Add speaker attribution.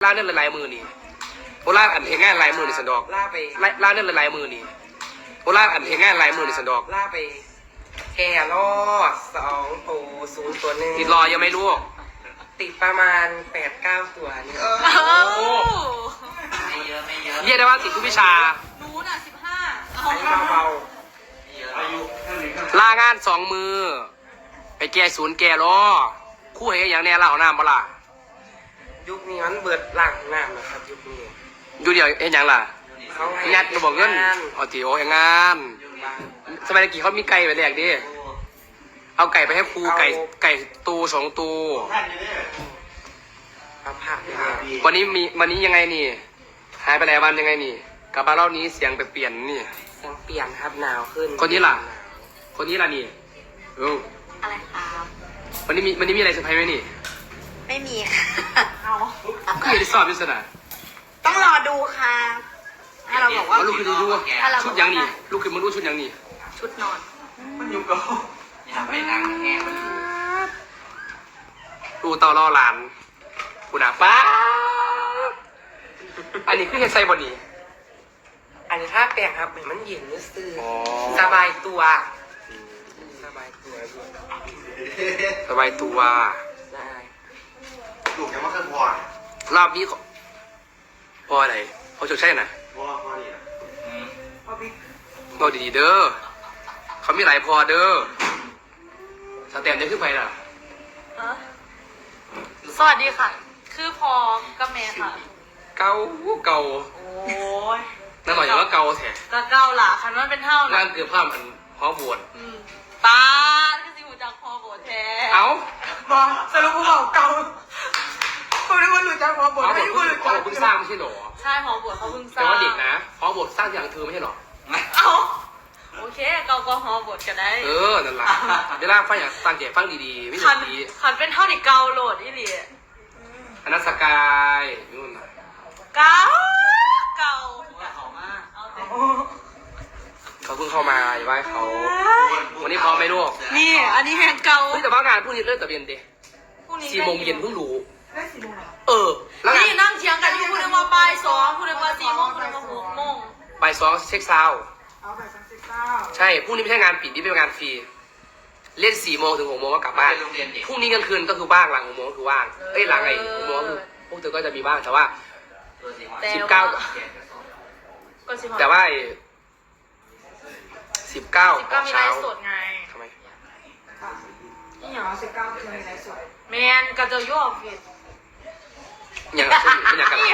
Speaker 1: ล่าเนื่องหลายมือนี่โอล่าอันเห็นง่ายหลายมือในสันดอกล่าเนื่องหลายมือนี่โอล่าอันเห็นง่ายหลายมือในสันดอก
Speaker 2: ล่าไปแค่รอด2 ตัว 0 ตัว 1
Speaker 1: ติดรอยังไม่รู้
Speaker 2: ติดประมาณ 8-9 ตัวนี่
Speaker 3: ไม่เยอะ
Speaker 1: เรียกได้ว่าติดทุกวิชา
Speaker 4: รู้น่ะ15
Speaker 2: อันนี้เบา
Speaker 1: ล่างาน2 มือไปแก่ศูนย์แก่ล้อคู่เหยอย่างแน่ล่าของน้ำบ่ล่ะ
Speaker 2: ยุคนี้มันเบิดหลังน้ำนะครับยุคนี้
Speaker 1: อยู่เดียวเอ็นยังล่ะ
Speaker 2: เขาให้
Speaker 1: งัดมาบอกเงินอ๋อจีโอเอ็งงานสมัยกี้เขามีไก่ไปแลกดิเอาไก่ไปให้ครูไก่ตู2 ตัว
Speaker 2: เอาผักไปเลย
Speaker 1: วันนี้ยังไงนี่หายไปหลายวันยังไงนี่กลับมารอบนี้เสียงไปเปลี่ยนนี่
Speaker 2: เสียงเปลี่ยนครับหนาวขึ้น
Speaker 1: คนนี้ล่ะนี่
Speaker 4: อะไรครับ
Speaker 1: วันนี้มีอะไรเซอร์ไพรส์ไหมนี่
Speaker 4: ไม่มีค่ะเอา
Speaker 1: ก็ไม่ได้สอบพิศนา
Speaker 4: ต้องรอดูค่ะถ้าเราบอกว่า
Speaker 1: ลูกคือดูชุดยังนี่ลูกคือมันรู้ชุดยังนี่
Speaker 4: ชุดนอน
Speaker 3: มันอยู่กับอย่าไปนั่งแง่มันอยู่
Speaker 1: ดูเตาล่อหลานกูหนาป้าอันนี้คือเฮดไซบอนี่
Speaker 2: อันนี้ถ้าแปลงครับเหมือนมันเย็นรู้สึก
Speaker 1: อ๋อ
Speaker 2: สบายตัวสบายตัวด้วย
Speaker 1: สบายตัว
Speaker 2: ได้
Speaker 3: ถูกแค่ว่าเคยพอ
Speaker 1: รอบนี้พออะไรเขาจะใช่นะ
Speaker 3: พอนี่นะ
Speaker 1: เราดีๆเด้อเขามีหลายพอเด้อสแตมจะขึ้นไปล่ะ
Speaker 4: สวัสดีค่ะ คือพอกับแม่ค่ะ
Speaker 1: เก่า
Speaker 4: โอ้ย
Speaker 1: นั่นหมายถึงว่าเก่าแท้
Speaker 4: ก็เก้าล่ะคันว่าเป็นเท่านะ
Speaker 1: งานเกือบภาพมันพอบวช
Speaker 4: ตาก็สิหูจักพอโบแท้
Speaker 1: เอ้า
Speaker 2: บอกสรุปกูบอกเก่าคุณนึกว่าหลุดจากหัวบท
Speaker 1: พอบ
Speaker 2: ไม่
Speaker 1: วช
Speaker 2: รู้หลุดจาก
Speaker 1: เพิ่งสร้างไม่ใช่หรอ
Speaker 4: ใช่พอโบเขาเพิ่งส
Speaker 1: แต่
Speaker 4: ร้าง
Speaker 1: ว่าเด็กนะพอบวชสร้างอย่างเธอไม่ใช่หรอ
Speaker 4: เอาโอเคเกาก็ฮอโบดกันได้
Speaker 1: นั่นแหละเวลาฟังอย่างตั้งใจฟังดีๆไม่
Speaker 4: ขั
Speaker 1: ใช่
Speaker 4: น
Speaker 1: ดี
Speaker 4: ขันเป็นเท่าที่เกาโหลดอีหลี
Speaker 1: อนัสกายนู่นน่ะ
Speaker 4: เกา
Speaker 3: เขามาก
Speaker 4: เอาแต่
Speaker 1: เขาเพิ่งเข้ามาอย่าว่าเขา วันนี้พร้อมไหมลูก
Speaker 4: นี่อันนี้แหงเกา
Speaker 1: เฮ้ยแต่ว่างานพรุ่งนี้เริ่มแต่เย็นดิ
Speaker 4: พรุ่งนี้
Speaker 1: 4 โมงเย็นเพิ่งรู้
Speaker 2: ได้4 โมงเหรอ
Speaker 1: แล้วงาน
Speaker 4: นี่นั่งเถียงกันอยู่พูดเรื่องว่าบ่าย2พูดเรื่องว่า4 โมงพูดเรื่องว่า6 โมง
Speaker 1: บ่าย2เช็คซาวด์
Speaker 2: เอาไป39
Speaker 1: ใช่พรุ่งนี้ไม่ใช่งานปิดนี่เป็นงานฟรีเล่น4 โมงถึง 6 โมงก็กลับบ้าน
Speaker 3: โรงเรียนเด็ก
Speaker 1: พรุ่งนี้กลางคืนก็คือว่างหลัง 6 โมงก็คือว่างหลัง6 โมงก็คือพวกเธอก็จะมีบ้างแต่ว่า 19
Speaker 4: ก็สิ
Speaker 1: แต่ว่า19
Speaker 4: ก็มีไล
Speaker 1: เช้า
Speaker 4: ฟ์สดไง
Speaker 1: ทำไม
Speaker 2: นี่อย่าง19คือในไลฟ์สด
Speaker 4: แมนก็จะยั่วผิด
Speaker 1: อย่างนั้นไม่อยากกัน
Speaker 4: นี่